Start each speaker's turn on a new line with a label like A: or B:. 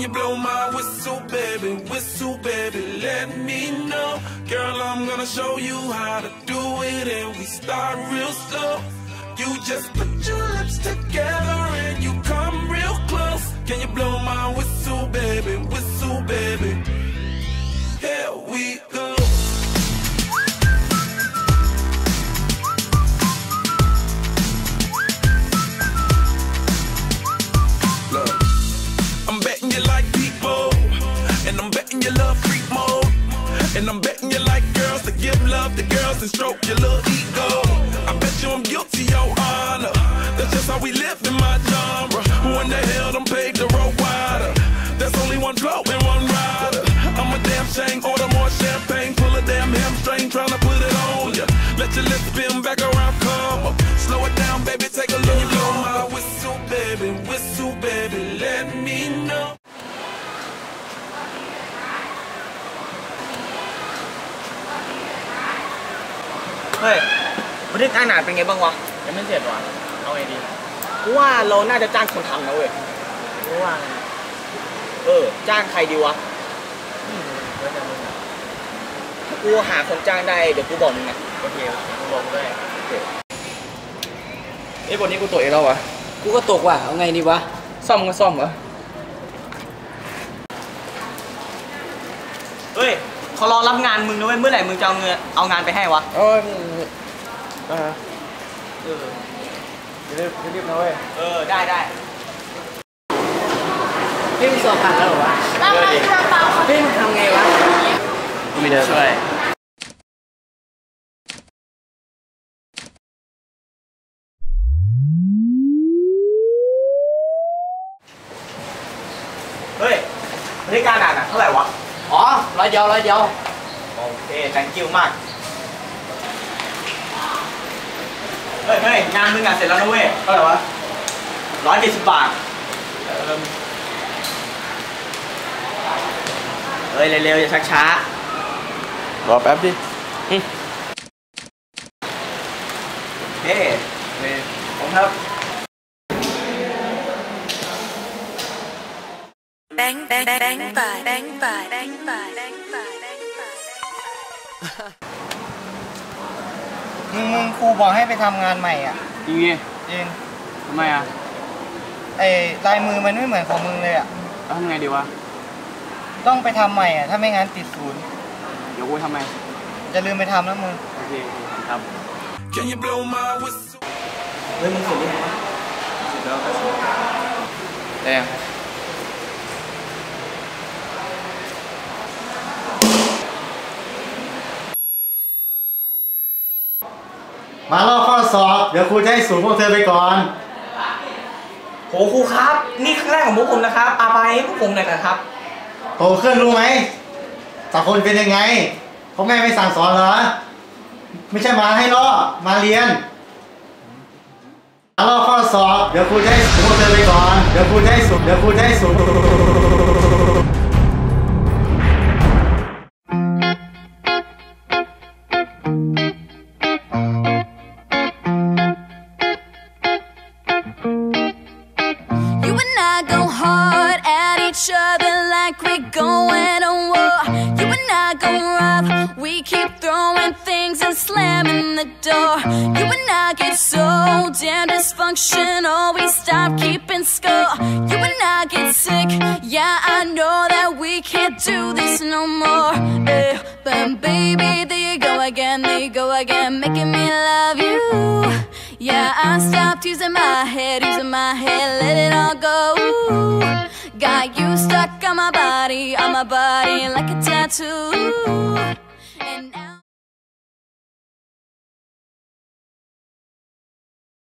A: you blow my whistle, baby, let me know. Girl, I'm gonna show you how to do it, and we start real slow. You just put your lips together and you come real close. Can you blow my whistle, baby, here we go. Look, I'm betting you like people, and I'm betting you love freak mode, and I'm betting you like girls to give love to girls and stroke your little ego. I bet you I'm guilty, your honor. That's just how we live in my genre. Who in the hell done paved the road wider? There's only one flow and one rider. I'm a damn shame, order more champagne, pull a damn hamstring, tryna put it on ya. Let your lips spin back around, come up. Slow it down, baby, take a look. You blow my whistle, baby, let me know.
B: เฮ้ยบันทึกการหนาเป็นไงบ้างวะยังไม่เสร็จวะเอาไงดีกูว่าเราน่าจะจ้างคนทำนะเว้ยกูว่าจ้างใครดีวะกูหาคนจ้างได้เดี๋ยวกูบอกมึงนะโอเคกูบอกด้วยไอ้บทนี้กูตกเองแล้ววะกูก็ตกว่ะเอาไงดีวะซ่อมก็ซ่อมวะเฮ้ยเขารอรับงานมึงนะเว้ยเมื่อไหร่มึงจะเอางานไปให้วะรีบนะเว้ยได้พี่มีสอบผ่านแล้วหรอวะพี่ทำไงวะไม่ได้ช่วยเฮ้ยบริการอ่ะเท่าไหร่วะอ๋อร้อยเดียวโอเค thank you มากเฮ้ยงานมึงเสร็จแล้วนะเว้ยเท่าไหร่วะ170 บาทเฮ้ยเร็วๆอย่าชักช้ารอแป๊บดิเฮ้ผมครับ
C: แบงไป
B: มึงครูบอกให้ไปทำงานใหม่อ่ะจริงทำไมอ่ะลายมือมันไม่เหมือนของมึงเลยอ่ะแล้วทำไงดีวะต้องไปทำใหม่อ่ะถ้าไม่งั้นติดศูนย์เดี๋ยวกูทำไมจะลืมไปทำนะมึงโอเคครับเฮ้ยมึงเสร็จหรือยังวะเสร็จแล้ว
D: มาลอกข้อสอบเดี๋ยวครูจะให้ศูนย์พวกเธอไปก่อน
B: โหครูครับนี่ครั้งแรกของพวกผมนะครับอาภัยให้พวกผมหน่อยนะครับ
D: โตขึ้นรู้ไหมสังคมเป็นยังไงเขาไม่สั่งสอนเหรอไม่ใช่มาให้ลอกมาเรียนมาลอกข้อสอบเดี๋ยวครูจะให้ศูนย์พวกเธอไปก่อนเดี๋ยวครูจะให้ศูนย์
C: like we're going to war. You and I go rough. We keep throwing things and slamming the door. You and I get so damn dysfunctional. We stop keeping score. You and I get sick. Yeah, I know that we can't do this no more. But baby, there you go again, making me love you. Yeah, I stopped using my head, let it all go. Got you stuck on my body like a tattoo.